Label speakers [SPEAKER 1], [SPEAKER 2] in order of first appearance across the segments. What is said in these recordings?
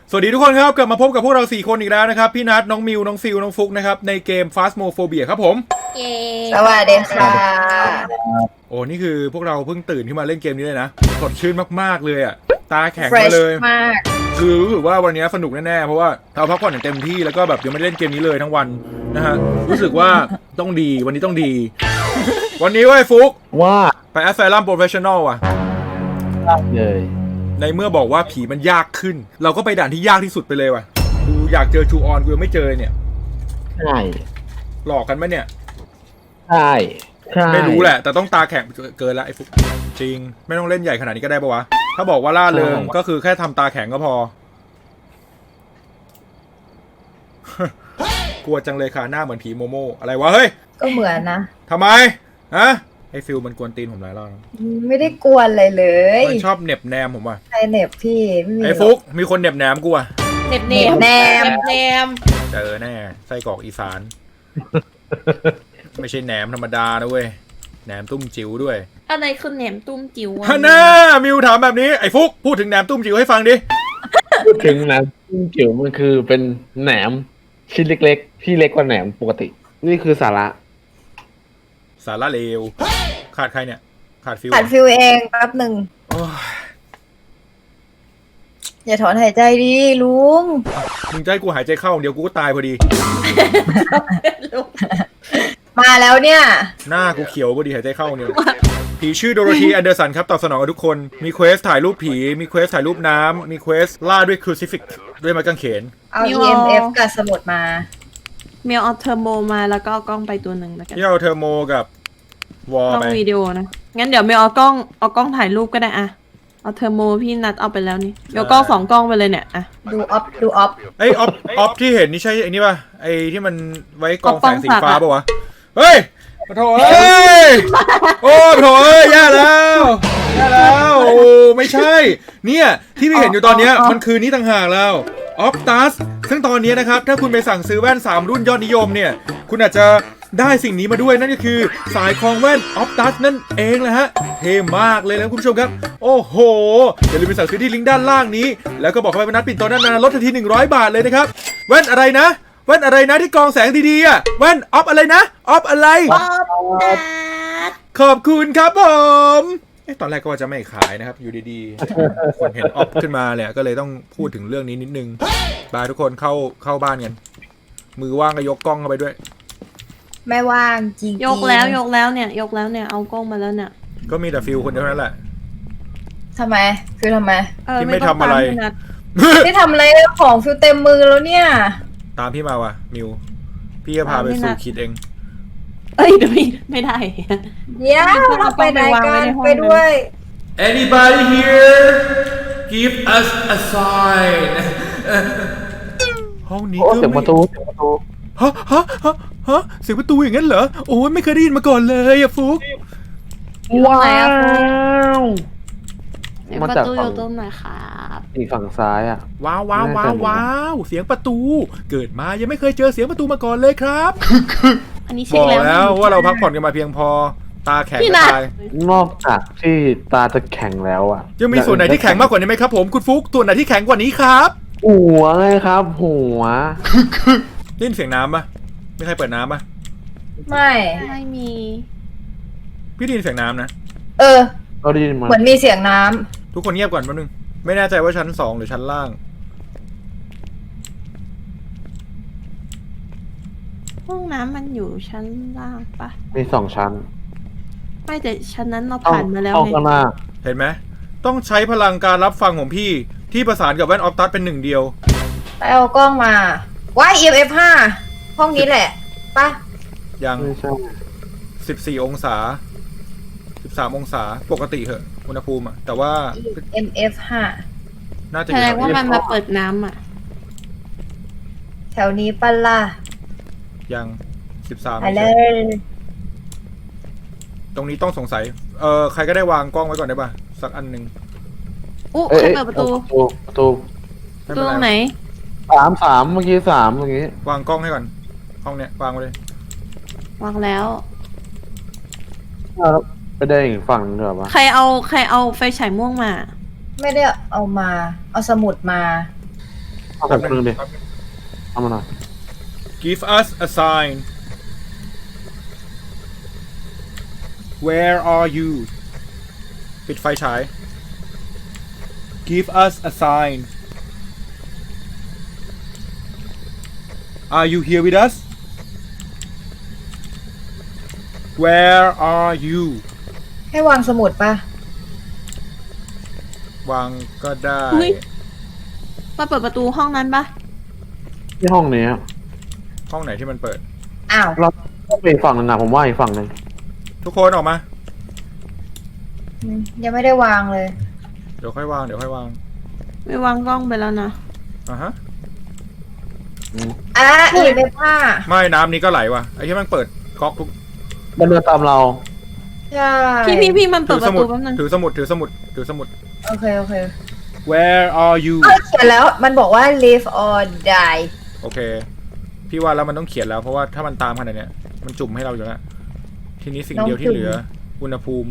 [SPEAKER 1] สวัสดีทุกคนครับกลับมาพบกับพวกเรา4คนอีกแล้วนะครับพี่นัทน้องมิวน้องฟิวน้องฟุกนะครับในเกม Phasmophobia ครับผม
[SPEAKER 2] เย้
[SPEAKER 3] สวัสดีค่ะ
[SPEAKER 1] โอ้นี่คือพวกเราเพิ่งตื่นขึ้นมาเล่นเกมนี้เลยนะสดชื่นมากๆเลยอ่ะตาแข็งมาเลย
[SPEAKER 3] มาก
[SPEAKER 1] คือรู้สึกว่าวันนี้สนุกแน่ๆเพราะว่าเราพักผ่อนอย่างเต็มที่แล้วก็แบบยังไม่ได้เล่นเกมนี้เลยทั้งวันนะฮะรู้สึกว่าต้องดีวันนี้ต้องดี วันนี้เว้ยฟุก
[SPEAKER 4] ว่า
[SPEAKER 1] ไปแอสไซลัมโปรเฟชชั่นอลว่ะ
[SPEAKER 4] เลย
[SPEAKER 1] ในเมื่อบอกว่าผีมันยากขึ้นเราก็ไปด่านที่ยากที่สุดไปเลยว่ะกูอยากเจอจูออนกูยังไม่เจอเนี่ย
[SPEAKER 4] ใช่
[SPEAKER 1] หลอกกันไหมเนี่ย
[SPEAKER 4] ใช่
[SPEAKER 1] ไม่รู้แหละแต่ต้องตาแข็งเกินละไอ้ฟุกจริงไม่ต้องเล่นใหญ่ขนาดนี้ก็ได้ปะวะถ้าบอกว่าล่าเริงก็คือแค่ทำตาแข็งก็พอ กลัวจังเลยค่ะหน้าเหมือนผีโมโม่อะไรวะเฮ้ย
[SPEAKER 3] ก็เหมือนนะ
[SPEAKER 1] ทำไมฮะไอ้ฟิลมันกวนตีนผมหลายรอบ
[SPEAKER 3] ไม่ได้กวนอะไรเลย
[SPEAKER 1] มันชอบเน็บแนมผมว่ะ
[SPEAKER 3] ใครเน็บพี่ไม่มี
[SPEAKER 1] ไอ้ฟุกมีคนเน็บแนมกูอ่ะ
[SPEAKER 2] เน็บแนม
[SPEAKER 1] เจอแน่ไส้กรอกอีสาน ไม่ใช่แหนมธรรมดานะเว้ยแหนมตุ้มจิ๋วด้วย
[SPEAKER 2] อะไรคือแหนมตุ้มจิ๋ว
[SPEAKER 1] ฮะน่ามิวถามแบบนี้ไอ้ฟุกพูดถึงแหนมตุ้มจิ๋วให้ฟังดิ
[SPEAKER 4] พูดถึงแหนมจิ้มจิ๋วมันคือเป็นแหนมชิ้นเล็กๆที่เล็กกว่าแหนมปกตินี่คือสาระ
[SPEAKER 1] เลวขาดใครเนี่ยขาดฟิว
[SPEAKER 3] เองแป๊บหนึ่งอย่าถอนหายใจดิลุง
[SPEAKER 1] มึงจะให้กูหายใจเข้าเดี๋ยวกูก็ตายพอดี
[SPEAKER 3] มาแล้วเนี่ย
[SPEAKER 1] หน้ากูเขียวพอดีหายใจเข้าเนี่ยผีชื่อโดโรธีแอนเดอร์สันครับตอบสนองกับทุกคนมีเควสถ่ายรูปผีมีเควสถ่ายรูปน้ำมีเควสล่าด้วยครูซิฟิกด้วยไม้กางเขน
[SPEAKER 3] เอา EMF กับสมุดมา
[SPEAKER 2] เมลเอาเทอร์โมมาแล้วก็เอากล้องไปตัวหนึ่งแล้วกัน
[SPEAKER 1] ที่เอาเทอร์โมกับวอลไป
[SPEAKER 2] วิดีโอนะงั้นเดี๋ยวเมลเอากล้องถ่ายรูปก็ได้อะเอาเทอร์โมพี่นัดเอาไปแล้วนี่เดี๋ยวกล้อง2กล้องไปเลยเนี่ยอะ
[SPEAKER 3] ดูออฟ
[SPEAKER 1] ไอออฟที่เห็นนี่ใช่ไอ้นี่ป่ะไอที่มันไว้กองแสงสีฟ้าป่ะวะเฮ้ยโถเอ้ยโอ้โถเอ้ยแย่แล้วโอ้ไม่ใช่เนี่ยที่พี่เห็นอยู่ตอนนี้มันคือนี่ต่างหากแล้วออฟตัสซึ่งตอนนี้นะครับถ้าคุณไปสั่งซื้อแว่น3รุ่นยอดนิยมเนี่ยคุณอาจจะได้สิ่งนี้มาด้วยนั่นก็คือสายคล้องแว่นออฟตัสนั่นเองแหละฮะเท่มากเลยนะคุณผู้ชมครับโอ้โหอย่าลืมไปสั่งซื้อที่ลิงก์ด้านล่างนี้แล้วก็บอกเข้าไปว่านัดปิ่นโตด้านหน้าลดทันที100 บาทเลยนะครับแว่นอะไรนะที่กองแสงดีๆอ่ะแว่นออฟอะไรนะออฟอะไรขอบคุณครับผมตอนแรกก็ว่าจะไม่ขายนะครับอยู่ดีๆคนเห็นออฟขึ้นมาเนี่ยก็เลยต้องพูดถึงเรื่องนี้นิดนึงบายทุกคนเข้าบ้านกันมือว่างก็ยกกล้องเข้าไปด้วย
[SPEAKER 3] ไม่ว่างจริง
[SPEAKER 2] ยกแล้วเนี่ยเอากล้องมาแล้วเนี่ย
[SPEAKER 1] ก็มีแต่ฟิลคนเดียวนั่นแหละ
[SPEAKER 3] ทำไมคือทำไม
[SPEAKER 1] ที่ไม่ทำอะไร
[SPEAKER 3] ไม่ทำอะไรของฟิลเต็มมือแล้วเนี่ย
[SPEAKER 1] ตามพี่มาว่ะมิวพี่จะพาไปสู่คิดเอง
[SPEAKER 2] เอ้ยเดี๋ยวไม่ได้
[SPEAKER 3] เดี๋ยวเราไปไหนกันไปด้วย
[SPEAKER 1] Anybody here give us a sign ห้องนี้ก็
[SPEAKER 4] เสียงประตู
[SPEAKER 1] ฮะเสียงประตูอย่างนั้นเหรอโอ้ยไม่เคยได้ยินมาก่อนเลยอะฟุก
[SPEAKER 4] ว้าว
[SPEAKER 2] ประตูอยู่ตรงไหนครับ
[SPEAKER 4] อีกฝั่งซ้ายอ่ะ
[SPEAKER 1] ว้าวเสียงประตูเกิดมายังไม่เคยเจอเสียงประตูมาก่อนเลยครับ
[SPEAKER 2] อันนี้
[SPEAKER 1] บอกแล้วว่าเราพักผ่อนกันมาเพียงพอตาแข็งตาย
[SPEAKER 4] นอกจากที่ตาจะแข็งแล้วอ่ะ
[SPEAKER 1] ยังมีส่วนไหนที่แข็งมากกว่านี้ไหมครับผมคุณฟุกส่วนไหนที่แข็งกว่านี้ครับ
[SPEAKER 4] หัวไงครับหัว
[SPEAKER 1] ได้ยินเสียงน้ำปะไม่ใครเปิดน้ำปะ
[SPEAKER 3] ไม่
[SPEAKER 2] มี
[SPEAKER 1] พี่ได้ยินเสียงน้ำนะ
[SPEAKER 4] เราได้ยินมา
[SPEAKER 3] เหมือนมีเสียงน้ำ
[SPEAKER 1] ทุกคนเงียบก่อนแป๊บนึงไม่แน่ใจว่าชั้น2หรือชั้นล่าง
[SPEAKER 2] ห้องน้ำมันอยู่ชั้นล่างปะ
[SPEAKER 4] มี2 ชั้น
[SPEAKER 2] ไม่แต่ชั้นนั้นเราผ่านมาแล้วไง
[SPEAKER 1] เห็นไหมต้องใช้พลังการรับฟังของพี่ที่ประสานกับแว่นออฟตัสเป็น1เดียว
[SPEAKER 3] ไปเอากล้องมาว้าย EMF 5ห้องนี้แหละปะ
[SPEAKER 1] ยัง14 องศา13 องศาปกติเหอะอุณหภูมิอะแต่ว่า
[SPEAKER 3] EMF 5
[SPEAKER 1] น่าจะ
[SPEAKER 2] แสดงว่ามันมาเปิดน้ำอ่ะ
[SPEAKER 3] แถวนี้ปะล่ะ
[SPEAKER 1] ยัง13
[SPEAKER 3] ไปเลย
[SPEAKER 1] ตรงนี้ต้องสงสัยใครก็ได้วางกล้องไว้ก่อนได้ป่ะสักอันหนึ่ง
[SPEAKER 2] ใครเปิดประตูตรงไหน
[SPEAKER 4] 3เมื่อกี้3เมื่อกี้
[SPEAKER 1] วางกล้องให้ก่อนห้องเนี้ยวางไว้เลยว
[SPEAKER 2] างแล้ว
[SPEAKER 4] ไปได้อีกฝั่งนึงเหรอวะ
[SPEAKER 2] ใครเอาไฟฉายม่วงมา
[SPEAKER 3] ไม่ได้เอามาเอาสมุดมา
[SPEAKER 4] เอาผมครึ่งดิเอามาหน่อย
[SPEAKER 1] Give us a sign Where are you ปิดไฟฉาย Give us a sign Are you here with us Where are you
[SPEAKER 3] ให้วางสมุดปะ
[SPEAKER 1] วางก็ได้
[SPEAKER 2] อุ๊ย มาเปิดประตูห้องนั้นปะ
[SPEAKER 4] ที่ห้องนี้
[SPEAKER 1] ห้องไหนที่มันเปิด
[SPEAKER 3] อ้าว
[SPEAKER 4] เราต้องไปอีกฝั่งหนึงนะผมว่าอีกฝั่งหนึ่ง
[SPEAKER 1] ทุกคนออกมา
[SPEAKER 3] ยังไม่ได้วางเลย
[SPEAKER 1] เดี๋ยวค่อยวาง เดี๋ยวค่อยวาง
[SPEAKER 2] ไม่วางกล้องไปแล้วนะ
[SPEAKER 1] อ่ะฮะ
[SPEAKER 3] อ่ะEMF 5
[SPEAKER 1] ไม่น้ำนี้ก็ไหลว่ะ ไอ้ที่มันเปิดก๊อกทุก
[SPEAKER 4] มันเดินตามเรา
[SPEAKER 3] ใช่
[SPEAKER 2] พี่มันเปิ
[SPEAKER 1] ถื
[SPEAKER 2] ด
[SPEAKER 1] อ
[SPEAKER 2] ป
[SPEAKER 1] ส
[SPEAKER 2] ระ
[SPEAKER 1] มุ
[SPEAKER 2] ตู
[SPEAKER 1] ด
[SPEAKER 2] แป๊บนึง
[SPEAKER 1] ถือสมุด ถือสมุด ถือสมุด
[SPEAKER 3] โอเค โอเค
[SPEAKER 1] Where are you
[SPEAKER 3] เขียนแล้วมันบอกว่า live or die
[SPEAKER 1] โอเค พี่ว่าแล้วมันต้องเขียนแล้ว เพราะว่าถ้ามันตามขนาดเนี้ยมันจุ่มให้เราอยู่แล้วทีนี้สิ่งเดียวที่เหลือ อุณหภูมิ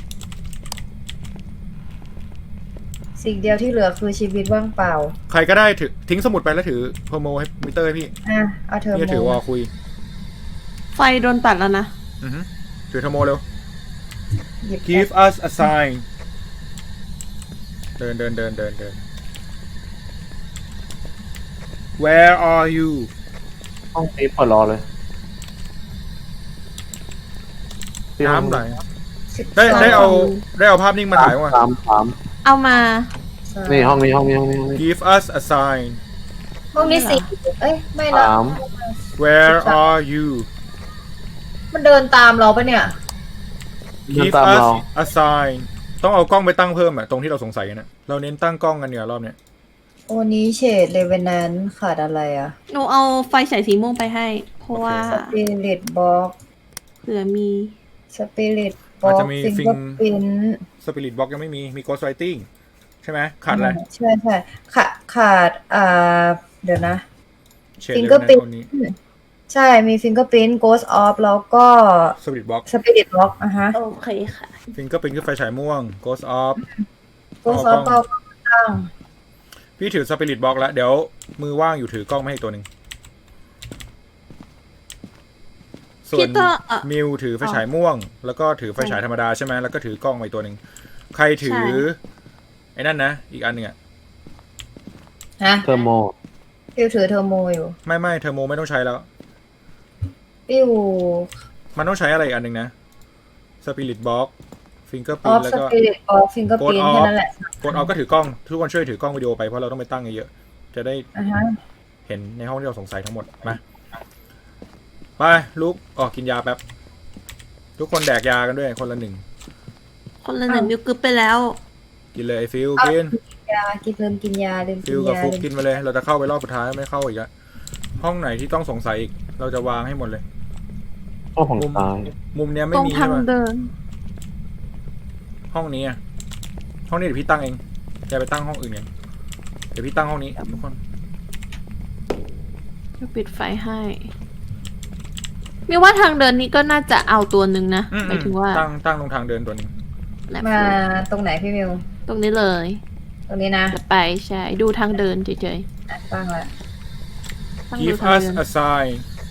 [SPEAKER 3] สิ่งเดียวที่เหลือคือชีวิตว่างเปล่า
[SPEAKER 1] ใครก็ได้ถือทิ้งสมุดไปแล้วถือโฮโมให้มิเตอร์ให้พี่
[SPEAKER 3] อ่ะ เอาเทอร์
[SPEAKER 1] พี่จะถือ
[SPEAKER 3] โม
[SPEAKER 1] วอลคุย
[SPEAKER 2] ไฟโดนตัดแล้วนะ
[SPEAKER 1] อือฮึถือโทรโมเร็ว
[SPEAKER 3] หยิบ
[SPEAKER 1] Give us a sign เดิน Where are you
[SPEAKER 4] ห้องนี้เปิดรอเลยที่ห้อง
[SPEAKER 1] น้ำไหลได้เอาภาพนิ่งมาถ่ายว่ะ
[SPEAKER 4] สาม
[SPEAKER 2] เอามา
[SPEAKER 4] นี่ห้องนี้
[SPEAKER 1] Give us a sign
[SPEAKER 3] ห้องนี้สี่เอ้ย ไม่ละ
[SPEAKER 4] สาม
[SPEAKER 1] Where are you
[SPEAKER 3] มันเดินตามเราปะเนี่ย
[SPEAKER 4] เดิน
[SPEAKER 1] Give
[SPEAKER 4] ตาม
[SPEAKER 1] us
[SPEAKER 4] เรา
[SPEAKER 1] a sign ต้องเอากล้องไปตั้งเพิ่มอะตรงที่เราสงสัยกันนะเราเน้นตั้งกล้องกันเนี่ยรอบเนี้ย
[SPEAKER 3] โอนี้เฉดเลเวนแนนขาดอะไรอ่ะ
[SPEAKER 2] หนูเอาไฟฉายสีม่วงไปให้ เพราะว่า
[SPEAKER 3] สปิริตบ็อก
[SPEAKER 2] เผื่อมี
[SPEAKER 3] สปิริตบ็อกฟิงเกอร์พิน
[SPEAKER 1] Spirit Box ยังไม่มี มี Ghost Writing ใช่ไหมขาดอะไร
[SPEAKER 3] ใช่ขาดเดี๋ยวนะ
[SPEAKER 1] เฉด
[SPEAKER 3] ฟิง
[SPEAKER 1] เล
[SPEAKER 3] เกอย ร์
[SPEAKER 1] นะ
[SPEAKER 3] พิน
[SPEAKER 1] คนนี้
[SPEAKER 3] ใช่ มีฟิงเกอร์พินโกสออฟแล้วก็
[SPEAKER 1] Spirit Box
[SPEAKER 3] สปิริตบ็อกอ่ะฮะ
[SPEAKER 2] โอเคค่ะ
[SPEAKER 1] Fingerprint คือไฟฉายม่วง Ghost Off
[SPEAKER 3] โกสออฟก็ตั้ง
[SPEAKER 1] พี่ถือ Spirit Box แล้ว เดี๋ยวมือว่างอยู่ถือกล้องมาให้อีกตัวหนึ่งส่ว
[SPEAKER 2] พี่
[SPEAKER 1] น
[SPEAKER 2] ต้อง
[SPEAKER 1] มิวถือไฟฉายม่วง แล้วก็ถือไฟฉายธรรมดาใช่ไหมแล้วก็ถือกล้องมาอีกตัวหนึ่งใครถือ ไอ้นั่นนะ อีกอันหนึ่งอะ
[SPEAKER 3] ฮะ
[SPEAKER 4] เทอร์โม
[SPEAKER 3] ฟิวถือเทอร์โมอยู่
[SPEAKER 1] ไม่เทอร์โมไม่ต้องใช้แล้ว
[SPEAKER 3] ฟิว
[SPEAKER 1] มันต้องใช้อะไรอีกอันหนึ่งนะ Spirit Box
[SPEAKER 3] อ
[SPEAKER 1] Fingerprint
[SPEAKER 3] อฟ
[SPEAKER 1] แล้ว
[SPEAKER 3] ส
[SPEAKER 1] ก็
[SPEAKER 3] ปิริตออฟฟิงเกอร์พิน
[SPEAKER 1] Ghost
[SPEAKER 3] แค่
[SPEAKER 1] Off
[SPEAKER 3] นั้นแหละ
[SPEAKER 1] Ghost Off ก็ถือกล้อง ทุกคนช่วยถือกล้องวิดีโอไปเพราะเราต้องไปตั้งเยอะๆจะได้
[SPEAKER 3] อ่ะฮะ
[SPEAKER 1] เห็นในห้องที่เราสงสัยทั้งหมดมาไปลุกออกกินยาแป๊บ ทุกคนแดกยากันด้วยคนละหนึ่ง
[SPEAKER 2] คนละหนึ่งมิวกึบไปแล้ว
[SPEAKER 1] กินเลยไอ้ฟิลกิน
[SPEAKER 3] ยาลืมกินยาลืมกิ
[SPEAKER 1] ฟิ
[SPEAKER 3] น
[SPEAKER 1] ลกับ
[SPEAKER 3] ยา
[SPEAKER 1] ฟุกกินไปเลย เราจะเข้าไปรอบสุดท้ายไม่เข้าอีกอะห้องไหนที่ต้องสงสัยอีก เราจะวางให้หมดเลย
[SPEAKER 4] ห้องของตาย
[SPEAKER 1] มุมเนี้ย
[SPEAKER 2] ต
[SPEAKER 1] ไม่
[SPEAKER 2] รง
[SPEAKER 1] มี
[SPEAKER 2] ทา
[SPEAKER 1] ใช่
[SPEAKER 2] ง
[SPEAKER 1] ไหม
[SPEAKER 2] เดิน
[SPEAKER 1] ห้องนี้อะห้องนี้เดี๋ยวพี่ตั้งเองจะไปตั้งห้องอื่นกันเดี๋ยวพี่ตั้งห้องนี้ทุกคน
[SPEAKER 2] จะปิดไฟให้มิวว่าทางเดินนี้ก็น่าจะเอาตัวหนึ่งนะหมายถึงว่า
[SPEAKER 1] ตั้งตรงทางเดินตัวหนึง
[SPEAKER 2] แลบ
[SPEAKER 3] มาตรงไหนพี่มิว
[SPEAKER 2] ตรงนี้เลย
[SPEAKER 3] ตรงนี้นะ
[SPEAKER 2] จะไปใช่ดูทางเดินเฉย
[SPEAKER 3] อ่ะตั้งละ
[SPEAKER 2] ๆตั้งดู
[SPEAKER 1] Give
[SPEAKER 2] ทาง
[SPEAKER 1] us
[SPEAKER 2] เดิน
[SPEAKER 1] a sign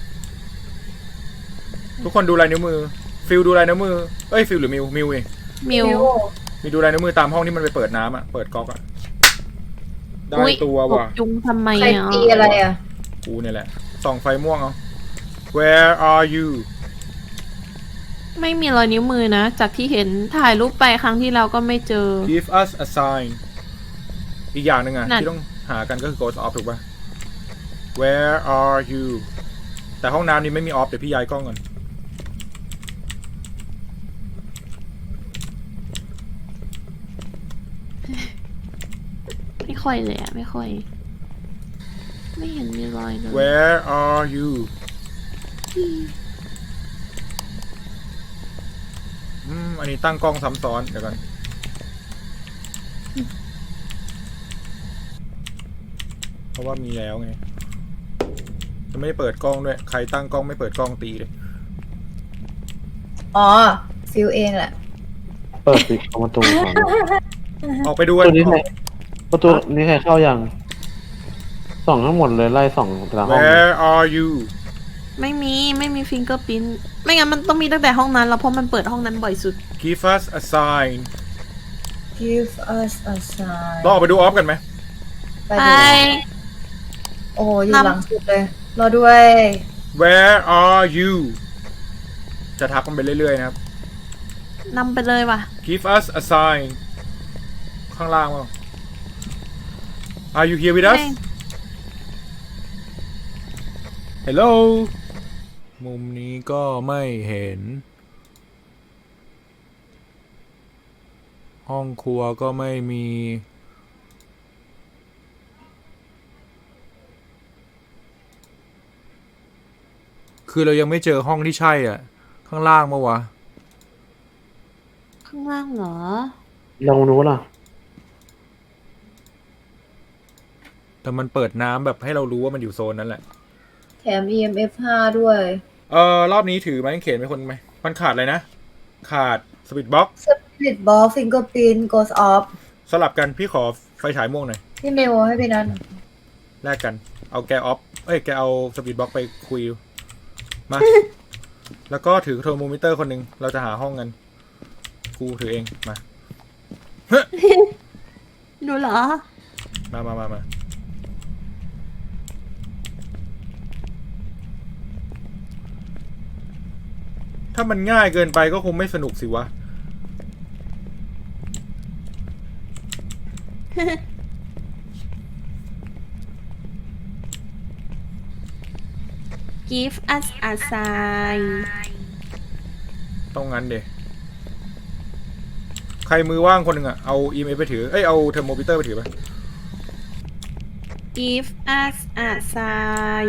[SPEAKER 1] ทุกคนดูลายนิ้วมือฟิลดูลายนิ้วมือเอ้ยฟิลหรือมิวเอง
[SPEAKER 2] มิว
[SPEAKER 1] มีดูลายนิ้วมือตามห้องที่มันไปเปิดน้ำอ่ะ เปิดก๊อกอ่ะ ได้
[SPEAKER 2] อุ๊ย
[SPEAKER 1] ตัว
[SPEAKER 2] ตก
[SPEAKER 1] ว่ะ
[SPEAKER 2] จุงทำไม
[SPEAKER 3] ใคร
[SPEAKER 2] อ่ะ
[SPEAKER 3] ตีอะไรอ่ะ
[SPEAKER 1] กูเนี่ยแหละ ส่องไฟม่วงเอา Where are you
[SPEAKER 2] ไม่มีรอยนิ้วมือนะ จากที่เห็นถ่ายรูปไปครั้งที่เราก็ไม่เจอ
[SPEAKER 1] Give us a sign อีกอย่างหนึ่งอ่ะ
[SPEAKER 2] นั่น
[SPEAKER 1] ที่ต้องหากันก็คือ Ghost Off ถูกป่ะ Where are you แต่ห้องน้ำนี้ไม่มี off เดี๋ยวพี่ย้ายกล้องก่อน
[SPEAKER 2] ไม่ค่อยเลยอ่ะ ไม่ค่อย ไม่เห็นมีรอยเลย
[SPEAKER 1] Where are you อันนี้ตั้งกล้องซ้ำซ้อนเดี๋ยวก่อนเพราะว่ามีแล้วไง จะไม่ได้เปิดกล้องด้วย ใครตั้งกล้องไม่เปิดกล้องตีเลย
[SPEAKER 3] อ๋อ ฟิวเองแหละ
[SPEAKER 4] เปิดปิดประตูก่อน
[SPEAKER 1] ออกไปดู
[SPEAKER 4] ป
[SPEAKER 1] กั
[SPEAKER 4] ระ
[SPEAKER 1] น
[SPEAKER 4] ตูนี้ใครประตูนี้ใครเข้ายังส่องทั้งหมดเลยไล่ส่องแต่ละห้อง
[SPEAKER 1] Where are you
[SPEAKER 2] ไม่มีฟิงเกอร์พิ้นไม่งั้นมันต้องมีตั้งแต่ห้องนั้นแล้วเพราะมันเปิดห้องนั้นบ่อยสุด
[SPEAKER 1] Give us a sign
[SPEAKER 3] Give us a sign
[SPEAKER 1] ลองออกไปดูออฟกันไหม
[SPEAKER 3] ไป
[SPEAKER 2] ไป
[SPEAKER 3] ดูโอ้อยู่หลังสุดเลยรอด้วย
[SPEAKER 1] Where are you จะทักมันไปเรื่อยๆนะครับ
[SPEAKER 2] นำไปเลยว่ะ
[SPEAKER 1] Give us a sign ข้างล่างมั้ง Are you here with us
[SPEAKER 2] แม่ง
[SPEAKER 1] Hello มุมนี้ก็ไม่เห็น ห้องครัวก็ไม่มี คือเรายังไม่เจอห้องที่ใช่อ่ะ ข้างล่างมั้วะ
[SPEAKER 2] ข้างล่างเหรอ
[SPEAKER 4] ลองรู้ล่ะ
[SPEAKER 1] แต่มันเปิดน้ำแบบให้เรารู้ว่ามันอยู่โซนนั้นแหละ
[SPEAKER 3] แถม EMF 5 ด้วย
[SPEAKER 1] รอบนี้ถือไม้กางเขนไปคนไหม มันขาดอะไรนะ ขาดสปีดบ็อก
[SPEAKER 3] Spirit Ball Fingerprint Goes Off
[SPEAKER 1] สลับกันพี่ขอไฟฉายม่วงหน่อย
[SPEAKER 3] พี่เมลให้พี่นัท
[SPEAKER 1] แลกกัน เอาแกออฟ แกเอาสปีดบ็อกไปคุย มา แล้วก็ถือเทอร์โมมิเตอร์คนหนึ่ง เราจะหาห้องกัน กูถือเอง มา
[SPEAKER 2] ดูเหรอ
[SPEAKER 1] มา ถ้ามันง่ายเกินไปก็คงไม่สนุกสิวะ
[SPEAKER 2] Give us a sign
[SPEAKER 1] ต้องงั้นเดใครมือว่างคนหนึ่งอะเอา EMF ไปถือ เอาเทอร์โมมิเตอร์ไปถือไป
[SPEAKER 2] Give us a sign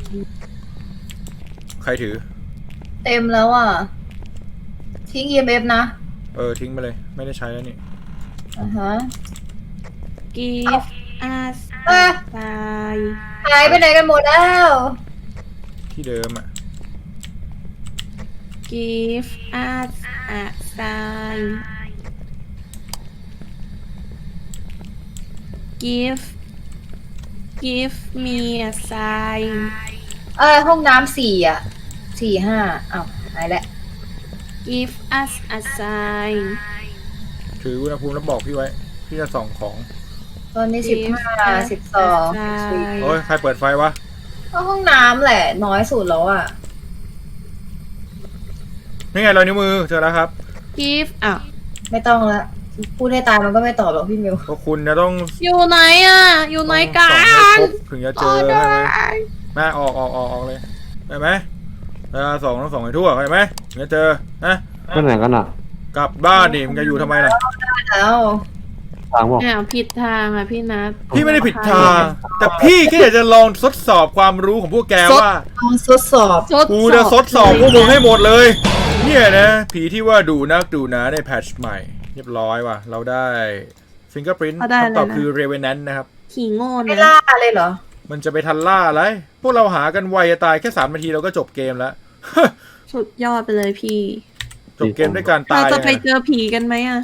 [SPEAKER 1] ใครถือ
[SPEAKER 3] เต็มแล้วอ่ะ ทิ้ง EMF นะ
[SPEAKER 1] ทิ้งไปเลย ไม่ได้ใช้แล้วนี่
[SPEAKER 3] อ่าฮะ
[SPEAKER 2] Give us
[SPEAKER 3] เอ้ย
[SPEAKER 2] a sign
[SPEAKER 3] หายไปไหนกันหมดแล้ว
[SPEAKER 1] ที่เดิมอะ
[SPEAKER 2] Give us a sign Give me a sign
[SPEAKER 3] ห้องน้ำ4 อ่ะ 4 5อ้าวหายแล้ว
[SPEAKER 2] Give us a sign
[SPEAKER 1] ถืออุณหภูมิแล้วบอกพี่ไว้ พี่จะส่องของ
[SPEAKER 3] ตอนนี้
[SPEAKER 2] Give
[SPEAKER 3] 15
[SPEAKER 2] us
[SPEAKER 3] 12
[SPEAKER 2] a sign
[SPEAKER 1] โอ้ย ใครเปิดไฟวะ
[SPEAKER 3] ก็ห้องน้ำแหละ น้อยสุดแล้วอ่ะ
[SPEAKER 1] นี่ไงรอยนิ้วมือ เจอแล้วครับ
[SPEAKER 2] Give อ่ะ
[SPEAKER 3] ไม่ต้องละพูดให้ตายมันก็ไม่ตอบหรอกพี่มิว
[SPEAKER 1] ก็คุณจะต้อง
[SPEAKER 2] อยู่ไหนอ่ะ อยู่ไหนกั
[SPEAKER 1] ส่องให้
[SPEAKER 2] น
[SPEAKER 1] ครบถึงจะเจอใช่ไหมแม่ออกเลยได้ไหมเวลาส่องต้องส่องให้ทั่วเข้าใจไหมถึงจะเจอนะ
[SPEAKER 4] ไปไหนกันอ่ะ
[SPEAKER 1] กลับบ้านดิมึงจะอยู่ทำไมล่ะ
[SPEAKER 3] แล้ว
[SPEAKER 4] ทางบอก
[SPEAKER 2] อ้าวผิดทางอ่ะพี่นัท
[SPEAKER 1] พี่ไม่ได้ผิดทาง แต่พี่แค่อยากจะลองทดสอบความรู้ของพวกแกว่า
[SPEAKER 3] ลองทดสอบ
[SPEAKER 1] กูจะทดสอบพวกมึงให้หมดเลย เนี่ยนะ ผีที่ว่าดูนักดูหนาในแพทช์ใหม่ เรียบร้อยว่ะ เราได้ Fingerprint
[SPEAKER 2] เขาได้อะไรนะ
[SPEAKER 1] คำตอบคือ Revenant นะครับ
[SPEAKER 2] ขี่โง่
[SPEAKER 3] ไม่
[SPEAKER 2] นะ
[SPEAKER 3] ล่าเลยเหรอ
[SPEAKER 1] มันจะไปทันล่าอะไร พวกเราหากันไวจะตายแค่3 นาทีเราก็จบเกมแล้ว
[SPEAKER 2] สุดยอดไปเลยพี่
[SPEAKER 1] จบเกมด้วยการ
[SPEAKER 2] เรา
[SPEAKER 1] ตาย
[SPEAKER 2] จะไป
[SPEAKER 1] ยังไง
[SPEAKER 2] เจอผีกันไหมอ่ะ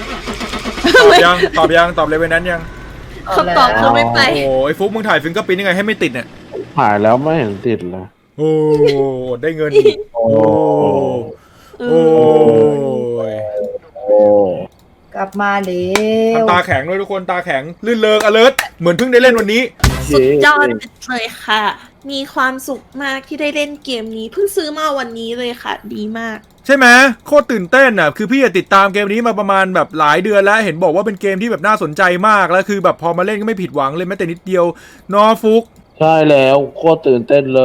[SPEAKER 1] ตอบ Revenant ยัง
[SPEAKER 2] คำตอบคือไม่ไป
[SPEAKER 1] โอ้ไอ้ฟุกมึงถ่าย Fingerprint ยังไงให้ไม่ติดเนี่ย
[SPEAKER 4] ถ่ายแล้วไม่เห็นติดเลย
[SPEAKER 1] โอ้ได้เงินอีกโอ้
[SPEAKER 2] เอ
[SPEAKER 1] โอ้
[SPEAKER 2] อ
[SPEAKER 1] ย
[SPEAKER 4] โอ้
[SPEAKER 3] กลับมาเร็ว
[SPEAKER 1] ทำตาแข็งด้วยทุกคนตาแข็งลื่นเริง alert เหมือนเพิ่งได้เล่นวันนี้
[SPEAKER 2] สุดยอดเลยค่ะ มีความสุขมากที่ได้เล่นเกมนี้ เพิ่งซื้อมาวันนี้เลยค่ะ ดีมาก
[SPEAKER 1] ใช่ไหมโคตรตื่นเต้นอ่ะคือพี่ติดตามเกมนี้มาประมาณแบบหลายเดือนแล้วเห็นบอกว่าเป็นเกมที่แบบน่าสนใจมากแล้วคือแบบพอมาเล่นก็ไม่ผิดหวังเลยแม้แต่นิดเดียวนอฟุก
[SPEAKER 4] ใช่แล้วโคตรตื่นเต้นเลย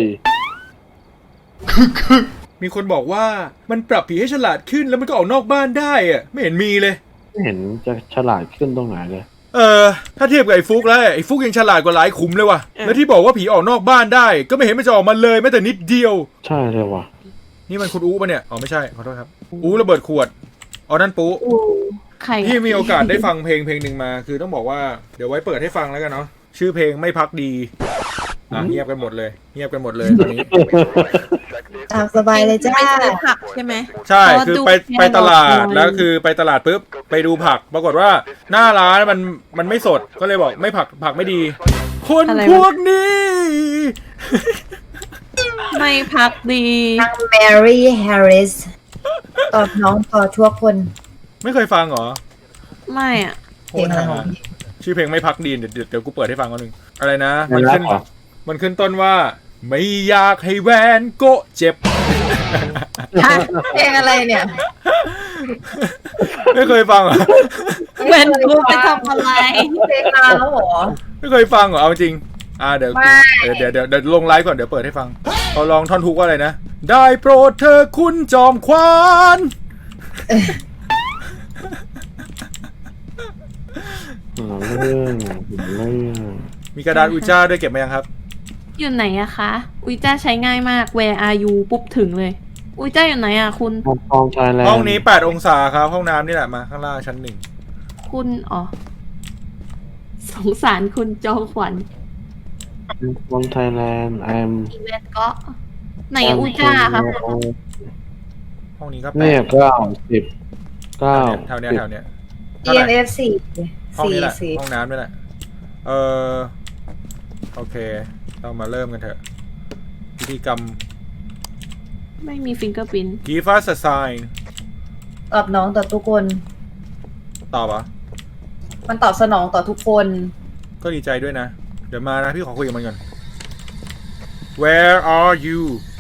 [SPEAKER 1] มีคนบอกว่ามันปรับผีให้ฉลาดขึ้นแล้วมันก็ออกนอกบ้านได้อ่ะไม่เห็นมีเลย
[SPEAKER 4] ไม่เห็นจะฉลาดขึ้นตรงไหนเลย
[SPEAKER 1] ถ้าเทียบกับไอ้ฟุกแล้วไอ้ฟุกยังฉลาดกว่าหลายขุมเลยว่ะแล้วที่บอกว่าผีออกนอกบ้านได้ก็ไม่เห็นมันจะออกมาเลยแม้แต่นิดเดียว
[SPEAKER 4] ใช่เลยว่ะ
[SPEAKER 1] นี่มันคุณอู้ปะเนี่ยอ๋อไม่ใช่ขอโทษครับอู้ระเบิดขวดอ๋อนั่นปุ๊
[SPEAKER 2] อู้ใคร
[SPEAKER 1] พี่มีโอกาสได้ฟังเพลงหนึ่งมาคือต้องบอกว่าเดี๋ยวไว้เปิดให้ฟังแล้วกันเนาะชื่อเพลงไม่พักดีเงียบกันหมดเลยตอนนี้
[SPEAKER 3] ตามสบายเลยจ้า
[SPEAKER 2] ไปซื้อผักใช่ไหม
[SPEAKER 1] ใช่
[SPEAKER 2] เพราะว่า
[SPEAKER 1] คือ
[SPEAKER 2] ดู
[SPEAKER 1] ไปตลาด
[SPEAKER 2] แค่
[SPEAKER 1] แล้วคือไปตลาดปุ๊บไปดูผักปรากฏว่าหน้าร้านมันไม่สดก็เลยบอกไม่ผักไม่ดีคน
[SPEAKER 2] อะไรวะ
[SPEAKER 1] พวกนี้
[SPEAKER 2] ไม่พักดี
[SPEAKER 3] นางแมรี่แฮร์ริสตอบน้องต่อทั่วคน
[SPEAKER 1] ไม่เคยฟังเหรอ
[SPEAKER 2] ไม่อ่ะ
[SPEAKER 3] เพลงอะไรของพี่
[SPEAKER 1] ชื่อเพลงไม่พักดีเดี๋ยวกูเปิดให้ฟังก่อนหนึ่งอะไรนะ
[SPEAKER 4] ไม่
[SPEAKER 1] มัน
[SPEAKER 4] รั
[SPEAKER 1] ขึ้
[SPEAKER 4] ก
[SPEAKER 1] น
[SPEAKER 4] เหรอ
[SPEAKER 1] มันขึ้นต้นว่า ไม่อยากให้แวนโกะเจ็บ
[SPEAKER 3] เพลงอะไรเนี่ย
[SPEAKER 1] ไม่เคยฟังเหรอ
[SPEAKER 2] เวนกูไปทำอะไร
[SPEAKER 3] เพลงนานแล้วเหรอ
[SPEAKER 1] ไม่เคยฟังเหรอเอาจริงเดี๋ยว
[SPEAKER 3] ไม่
[SPEAKER 1] เดี๋ยวลงไลฟ์ก่อนเดี๋ยวเปิดให้ฟังเอาลองท่อนฮุกว่าอะไรนะ ได้โปรดเธอคุณจอมควาน
[SPEAKER 4] เรื่อง
[SPEAKER 1] มีกระดาษอุจจาด้วยเก็บมายังครับ
[SPEAKER 2] อยู่ไหนอะคะ อุ้ยจ้าใช้ง่ายมาก Where are you ปุ๊บถึงเลย อุ้ยจ้าอยู่ไหนอะคุณ
[SPEAKER 4] ฟองชายแลนด์
[SPEAKER 1] ห้องนี้8องศาครับห้องน้ำนี่แหละมาข้างล่างชั้น
[SPEAKER 2] คุณอ๋อ สงสารคุณจอมขวัญ
[SPEAKER 4] ฟองไทยแลนด์ I'm
[SPEAKER 2] อีเวนต์ก็ไหนอุ้ยจ้าครับ
[SPEAKER 1] 1ห้องนี้ก็
[SPEAKER 4] เนี่ย
[SPEAKER 1] 8
[SPEAKER 4] 9 10 9
[SPEAKER 1] แถวเนี้ย
[SPEAKER 3] EMF สี่
[SPEAKER 1] ห้อง
[SPEAKER 3] สี่
[SPEAKER 1] นี้แหละ
[SPEAKER 3] สี่
[SPEAKER 1] ห้องน้ำนี่แหละโอเคเรามาเริ่มกันเถอะพิธีกรรม
[SPEAKER 2] ไม่มีฟิงเกอร์พิน
[SPEAKER 1] Give us a sign
[SPEAKER 3] ตอบน้องต่อทุกคน
[SPEAKER 1] ตอบเหรอ
[SPEAKER 3] มันตอบสนองต่อทุกคน
[SPEAKER 1] ก็ดีใจด้วยนะ เดี๋ยวมานะพี่ขอคุยกับมันก่อน Where are you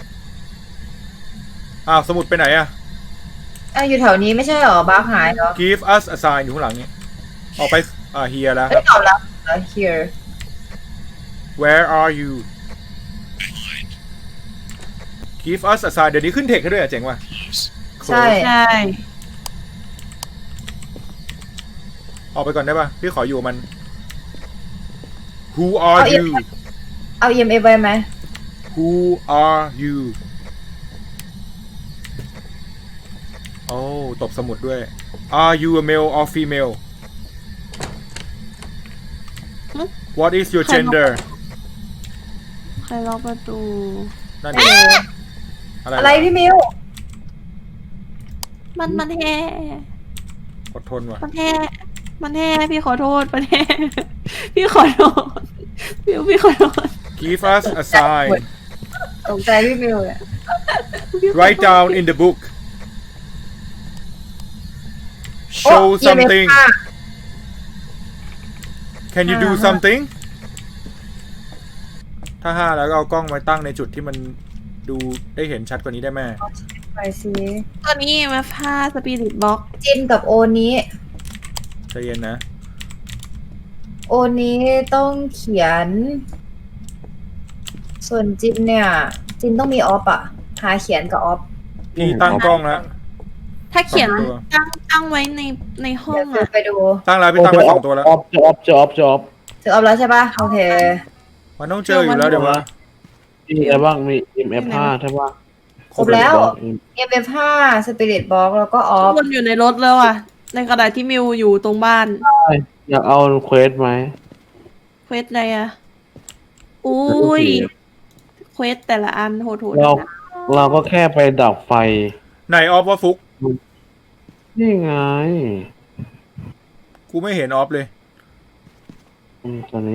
[SPEAKER 1] สมุดไปไหนอะ
[SPEAKER 3] อยู่แถวนี้ไม่ใช่เหรอบ้าหายเหรอ
[SPEAKER 1] Give us a sign อยู่ข้างหลังนี้ออกไปhere แล้วค
[SPEAKER 3] ไม่
[SPEAKER 1] รับ
[SPEAKER 3] ตอบแล้วเหรอ here
[SPEAKER 1] Where are you Give us a sign เดี๋ยวนี้ขึ้นเทคให้ด้วยเจ๋งว่ะ
[SPEAKER 3] ใช่
[SPEAKER 2] ใช่
[SPEAKER 1] ออกไปก่อนได้ป่ะ พี่ขออยู่กับมัน Who are you
[SPEAKER 3] เอา EMF ไว้ไหม
[SPEAKER 1] Who are you โอ้ตบสมุดด้วย Are you a male or female What is your gender
[SPEAKER 2] ใครล็อกประตู
[SPEAKER 1] นั่นเองอะไร
[SPEAKER 3] อะไรพี่มิว
[SPEAKER 2] มันแห่
[SPEAKER 1] อดทนว่ะ
[SPEAKER 2] มันแห่พี่ขอโทษมันแห่ พี่ขอโทษพี่ขอโทษ
[SPEAKER 1] Give us a sign
[SPEAKER 3] ตกใจพี่มิวเลย
[SPEAKER 1] Write down in the book Show
[SPEAKER 3] โอ้
[SPEAKER 1] something
[SPEAKER 3] EMF
[SPEAKER 1] Can you do something ถ้า5แล้วก็เอากล้องไว้ตั้งในจุดที่มันดูได้เห็นชัดกว่านี้ได้ไหม
[SPEAKER 3] ไปสิ
[SPEAKER 2] ตอนนี้มาผ้าสปิริตบ็อก
[SPEAKER 3] จินกับโอนี้
[SPEAKER 1] ใจเย็นนะ
[SPEAKER 3] โอนี้ต้องเขียน ส่วนจินเนี่ย จินต้องมีออฟอะหาเขียนกับออฟ
[SPEAKER 1] พี่ตั้งกล้องแล้ว
[SPEAKER 2] ถ้าเขียน
[SPEAKER 1] สองตัว
[SPEAKER 2] ตั้งไว้ในห้อ
[SPEAKER 3] เดี๋ย
[SPEAKER 2] ง
[SPEAKER 3] ว
[SPEAKER 2] อะ
[SPEAKER 3] ไปดู
[SPEAKER 1] ตั้งแล้วพี่ตั้งไป2ตัวแล้ว
[SPEAKER 4] จอบ
[SPEAKER 3] เจอออฟแล้วใช่ปะโอเค
[SPEAKER 1] มันต้องเจออยู่แล้วเดี๋ยวว่า
[SPEAKER 4] มีอะไรบ้างมี MF 5ใช่ป่ะ
[SPEAKER 3] ครบแล้ว EMF 5 Spirit Box แล้วก็ออฟ
[SPEAKER 2] วนอยู่ในรถแล้วอะในกระดาษที่มิวอยู่ตรงบ้าน
[SPEAKER 4] อยากเอาเควสไหม
[SPEAKER 2] เควสอะไรอะอุ้ยเควสแต่ละอันโหดๆ
[SPEAKER 4] เรา
[SPEAKER 2] นะ
[SPEAKER 4] เราก็แค่ไปดับไฟ
[SPEAKER 1] ไหนออฟว่าฟุก
[SPEAKER 4] นี่ไง
[SPEAKER 1] กูไม่เห็นออฟเลย
[SPEAKER 4] ตัวนี้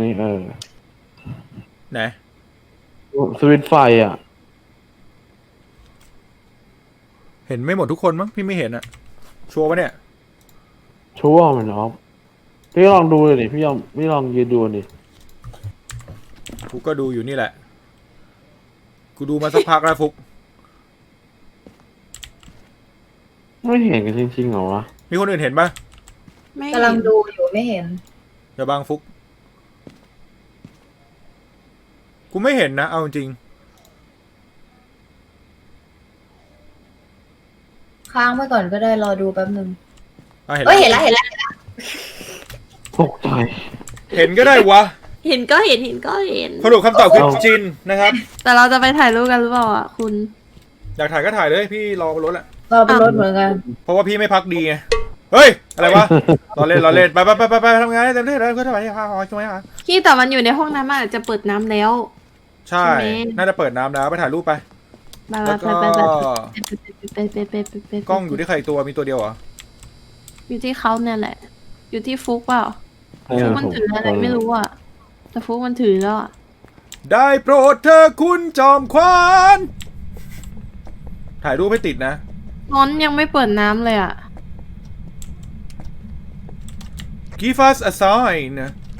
[SPEAKER 1] ไหน
[SPEAKER 4] สวิตช์ไฟอ่ะ
[SPEAKER 1] เห็นไม่หมดทุกคนมั้งพี่ไม่เห็นอะชัวร์ปะเนี่ย
[SPEAKER 4] ชั่วร์มันออฟพี่ลองดูเลยดิพี่ลองยืนดูดิ
[SPEAKER 1] กูก็ดูอยู่นี่แหละ กูดูมาสักพักแล้วฟุก
[SPEAKER 4] ไม่เห็นกันจริงๆเหรอวะ
[SPEAKER 1] มีคนอื่นเห็นปะ
[SPEAKER 2] ไม่
[SPEAKER 3] กำลังดูอยู่ไม่เห็น
[SPEAKER 1] อย่าบังฟุก กูไม่เห็นนะเอาจริง
[SPEAKER 3] ค้างไว้ก่อนก็ได้รอดูแป๊บนึง
[SPEAKER 1] เห็น
[SPEAKER 3] เอ้ยเห็นแล้วเห็นแล้ว
[SPEAKER 4] ตกใจ
[SPEAKER 1] เห็นก็ได้วะ
[SPEAKER 2] เห็นก็เห็น
[SPEAKER 1] สรุปคำตอบคือจินนะครับ
[SPEAKER 2] แต่เราจะไปถ่ายรูปกันหรือเปล่าอ่ะคุณ
[SPEAKER 1] อยากถ่ายก็ถ่ายเลยพี่รอบนรถแหละ
[SPEAKER 3] รอเป็นรถเหมือนกัน
[SPEAKER 1] เพราะว่าพี่ไม่พักดีไง เฮ้ย อะไรวะ เราเล่นไปทำงานได้เต็มที่เลยเพื่อทำไมพาหอยช่วยฮะ
[SPEAKER 2] พี่แต่มันอยู่ในห้องน้ำมันอาจจะเปิดน้ำแล้ว
[SPEAKER 1] ใช่ น่าจะเปิดน้ำแล้วไปถ่ายรูปไป
[SPEAKER 2] ไป
[SPEAKER 1] แล้วก็
[SPEAKER 2] ไป
[SPEAKER 1] กล้องอยู่ที่ใครตัวมีตัวเดียวเหรอ
[SPEAKER 2] อยู่ที่เขาเนี่ยแหละ อยู่ที่ฟุกเปล่าฟุกมันถืออะไรไม่รู้อ่ะแต่ฟุกมันถือแล้วอะ
[SPEAKER 1] ได้โปรดเธอคุณจอมขวานถ่ายรูปให้ติดนะ
[SPEAKER 2] นอนยังไม่เปิดน้ำเลยอะ
[SPEAKER 1] Give us a sign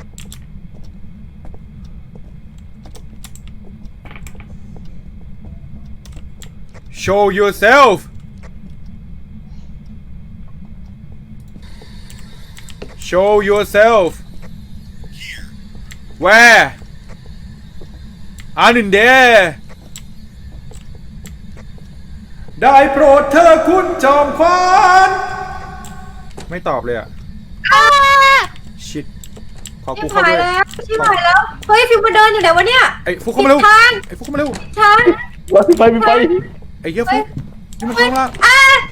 [SPEAKER 1] Show yourself Show yourself Where I'm in there ได้โปรดเธอคุณจอมขวานไม่ตอบเลยอ่ะ ชิดขอ
[SPEAKER 3] ชิ
[SPEAKER 1] กู
[SPEAKER 3] บ
[SPEAKER 1] เข้า
[SPEAKER 3] หาย
[SPEAKER 1] ด้วย
[SPEAKER 3] แล้วชิบหายแล้ว เฮ้ยฟิวมาเดินอยู่ไหนวะเนี่ย
[SPEAKER 1] ไอ้ฟุกเข้ามาเร็ว
[SPEAKER 3] ผิดทาง
[SPEAKER 1] ไอ้ฟุกเข้ามาเร็ว
[SPEAKER 3] ฉัน
[SPEAKER 4] ไป
[SPEAKER 1] ไอ้เหี้ยฟุกนี่มันข้างล่าง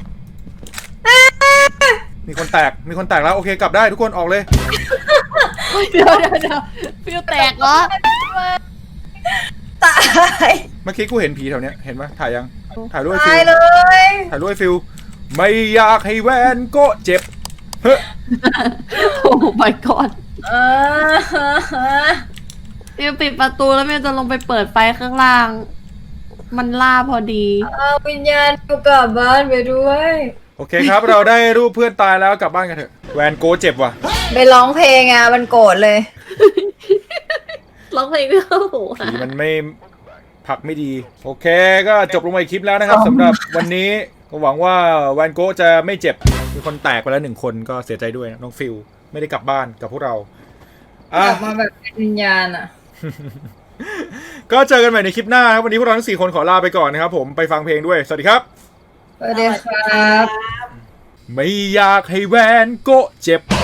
[SPEAKER 1] มีคนแตกแล้วโอเคกลับได้ทุกคนออกเลย
[SPEAKER 2] เดี๋ยวฟิวแตกเหรอ
[SPEAKER 3] ตาย
[SPEAKER 1] เมื่อกี้กูเห็นผีแถวเนี้ยเห็นปะถ่ายยังถ่ายรูปไอ้ฟิ
[SPEAKER 3] ตายว เลย
[SPEAKER 1] ถ่ายรูปไอ้ฟิวไม่อยากให้แวนโก็เจ็บเฮ้ย
[SPEAKER 2] โอ้ my god
[SPEAKER 3] เออ
[SPEAKER 2] ฟิวปิดประตูแล้วฟิวจะลงไปเปิดไฟข้างล่าง มันล่าพอดี
[SPEAKER 3] เอาวิญญาณกูกลับบ้านไปด้วย
[SPEAKER 1] โอเคครับ เราได้รูปเพื่อนตายแล้วกลับบ้านกันเถอะแวนโก้เจ็บว่ะ
[SPEAKER 3] ไปร้องเพลงอ่ะมันโกรธเลย
[SPEAKER 2] ร้องเพลงไม่เข้าหู
[SPEAKER 1] ผีมันไม่ผลักไม่ดี โอเคก็จบลงไปคลิปแล้วนะครับสำหรับวันนี้ก็หวังว่าแวนโก้จะไม่เจ็บมีคนแตกไปแล้ว1 คนก็เสียใจด้วยนะน้องฟิลไม่ได้กลับบ้านกับพวกเรา
[SPEAKER 3] กลับมาแบบเป็นวิญญาณอ่ะ
[SPEAKER 1] ก็เจอกันใหม่ในคลิปหน้าครับวันนี้พวกเราทั้ง4 คนขอลาไปก่อนนะครับผมไปฟังเพลงด้วยสวัสดีครับ
[SPEAKER 3] สวัสดีครับ
[SPEAKER 1] ไม่อยากให้แวนโก็เจ็บ